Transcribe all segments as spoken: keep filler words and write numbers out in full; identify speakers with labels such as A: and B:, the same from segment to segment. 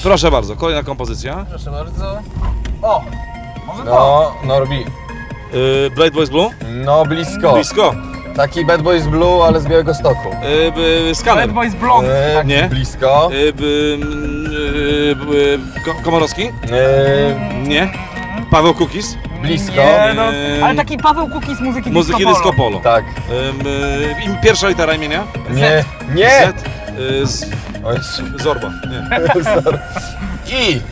A: Proszę bardzo, kolejna kompozycja.
B: Proszę bardzo. O! Może to?
C: No, Norbi.
A: Yy, Blade Boys Blue?
C: No, blisko.
A: Blisko.
C: Taki Bad Boys Blue, ale z Białego Stoku.
A: Yy, by, Scanner.
B: Bad Boys Blonde.
C: E,
A: Nie.
C: Blisko.
A: Yy, by, yy, by, Ko- Komorowski?
C: E,
A: Nie. Paweł Kukis?
C: blisko.
B: Nie, no,
A: Eee,
B: ale taki Paweł Kukiz z muzyki
A: Muzyki
B: disco
A: Disco
B: polo.
A: Polo.
C: Tak.
A: Yy, im pierwsza litera imienia?
C: Nie. Nie!
A: Z. Yy, z
C: O Jezu.
A: Zorba. Nie.
C: I.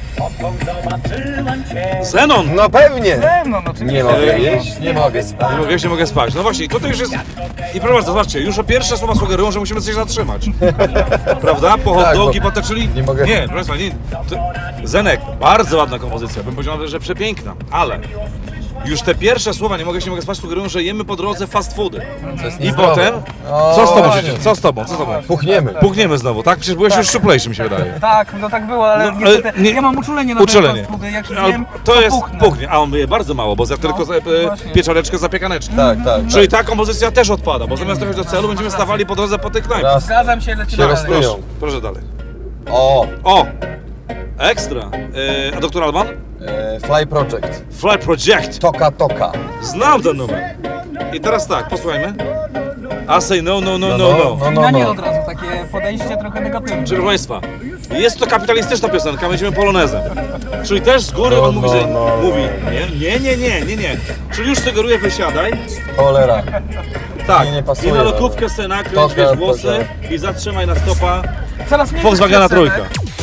A: Zenon!
C: No pewnie.
B: No, no, oczywiście.
C: Nie mogę jeść, nie mogę spać.
A: Nie mogę, jeśli mogę spać. No właśnie, tutaj już jest... I proszę bardzo, zobaczcie, już o pierwsze słowa sugerują, że musimy coś zatrzymać. Prawda? Po hot
C: Tak,
A: dogi,
C: bo
A: potoczyli...
C: nie mogę-
A: Nie, proszę Państwa, nie... To... Zenek, bardzo ładna kompozycja, bym powiedział, że przepiękna, ale... Już te pierwsze słowa, nie mogę, jeśli mogę spać, sugerują, że jemy po drodze fast foody.
C: To jest
A: I
C: niezdrowe.
A: potem...
C: O,
A: Co z tobą,
C: właśnie.
A: się- co z tobą, co z tobą?
C: Puchniemy.
A: Puchniemy znowu, tak? Przecież byłeś już szczuplejszy, mi się wydaje.
B: Tak, no tak było, ale
A: No,
B: niestety
A: ale nie-
B: ja mam uczulenie na
A: Uczulenie.
B: te fast foody, jak się
A: Ale
B: zjem,
A: to jest
B: puchnę.
A: puchnie, a on myje bardzo mało, bo za tylko za, e,
B: właśnie.
A: pieczareczkę, zapiekaneczkę.
C: Tak, tak.
A: Czyli ta kompozycja też odpada, bo zamiast dojść do celu, będziemy stawali po drodze po tych knajpach.
C: Raz.
B: Zgadzam się, lecimy
C: Się
B: dalej.
C: rozpłyną.
A: Proszę, proszę dalej.
C: O.
A: O! Ekstra! E, a doktor Alban?
C: E, Fly Project.
A: Fly Project!
C: Toka Toka.
A: Znam ten numer. I teraz tak, posłuchajmy. I say no, no, no, no,
C: no,
A: no.
C: no,
B: I
C: no,
B: na nie
C: no.
B: od razu, takie podejście trochę negatywne.
A: Proszę Państwa, jest to kapitalistyczna piosenka, będziemy polonezem. Czyli też z góry
C: No,
A: on mówi,
C: no,
A: że...
C: no.
A: Mówi, nie, nie, nie, nie, nie, nie. Czyli już sugeruje, wysiadaj.
C: Cholera.
A: Tak,
C: Nie, nie pasuje,
A: i na
C: no.
A: lotówkę sobie nakręć,
C: Toka,
A: wiesz, włosy
C: toka.
A: i zatrzymaj na stopa
B: Coraz mniej
A: Volkswagena
B: piosenek.
A: trójka.